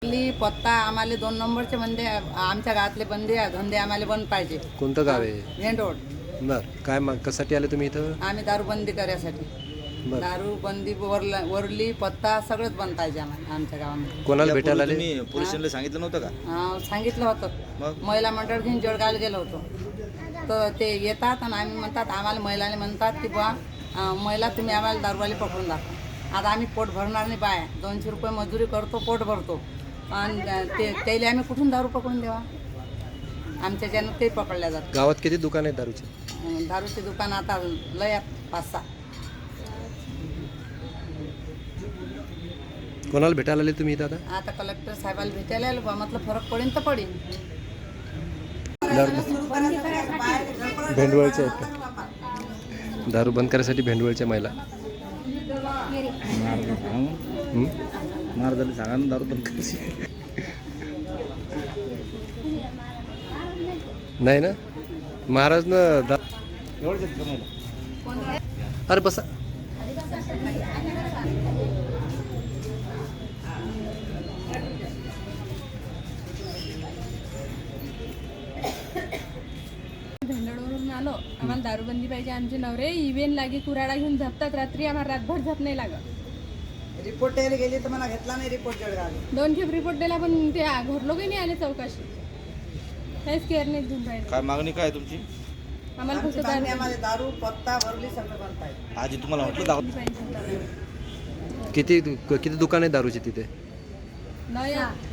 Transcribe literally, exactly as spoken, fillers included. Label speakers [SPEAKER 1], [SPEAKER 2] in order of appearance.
[SPEAKER 1] ली पत्ता आम्हाला दोन नंबरचे बंदे आमच्या गावातले बंदे धंदे आम्हाला बंद पाहिजे.
[SPEAKER 2] कोणतं गाव आहे?
[SPEAKER 1] Main road.
[SPEAKER 2] बर काय मग कशासाठी आले तुम्ही इथं?
[SPEAKER 1] आम्ही दारू बंदी करायसाठी.
[SPEAKER 2] बर
[SPEAKER 1] दारू बंदी वरला वरली पत्ता सगळंच बंद पाहिजे आम्हाला आमच्या गावामध्ये.
[SPEAKER 2] कोणाला भेटायला आले?
[SPEAKER 3] तुम्ही पोलीस स्टेशनला सांगितलं नव्हतं का?
[SPEAKER 1] हा, सांगितलं होतं.
[SPEAKER 3] मग
[SPEAKER 1] महिला मंडळ घेऊन जळगावला गेलो होतो. तर ते येतात आणि आम्ही म्हणतात आम्हाला महिलाने म्हणतात की बुवा अं, महिला तुम्ही आम्हाला दारूवाली पकडून दाखवा. आता आम्ही पोट भरणार नाही बाय दोनशे रुपये मजुरी करतो पोट भरतो आणि ते त्याला आम्ही कुठून दारू पकडून द्यावा. आमच्या ज्यानं ते पकडल्या जातात.
[SPEAKER 2] गावात किती दुकान आहेत दारूचे?
[SPEAKER 1] अं, दारूचे दुकान आता लय आहेत, पाच सहा.
[SPEAKER 2] कोणाला भेटायला आले तुम्ही इथं आता?
[SPEAKER 1] आता कलेक्टर साहेबाला भेटायला आलो बा म्हटलं फरक पडेल तर पडेल.
[SPEAKER 2] भेंडवळच्या आहेत का? दारू बंद करायसाठी भेंडवळच्या महिला. हं?
[SPEAKER 3] मार झाली सांगा ना दारू बंद करायची.
[SPEAKER 2] नाही ना महाराज ना दा... अरे बसा.
[SPEAKER 4] भेंडळवरून आलो. आम्हाला दारूबंदी पाहिजे. आमचे नवरे इव्हेन लागे कुराडा घेऊन झपतात रात्री. आम्हाला रातभर झप नाही लागत.
[SPEAKER 1] रिपोर्ट द्यायला गेली तर मला घेतला नाही रिपोर्ट जळगाव.
[SPEAKER 4] दोन खेप रिपोर्ट दिला पण ते घरलोकही नाही आले चौकशी. काहीच केअर नाही घेऊन राहिले.
[SPEAKER 3] काय मागणी काय आहे तुमची?
[SPEAKER 4] आम्हाला फक्त
[SPEAKER 1] आमची मागणी
[SPEAKER 4] दारू
[SPEAKER 1] आम्हाला दारू पत्ता वरली सगळं बंद पाहिजे.
[SPEAKER 3] आजी तुम्हाला म्हटलं दारू
[SPEAKER 4] पाहिजे.
[SPEAKER 2] किती किती दुकान आहे दारूचे तिथे?
[SPEAKER 4] नाही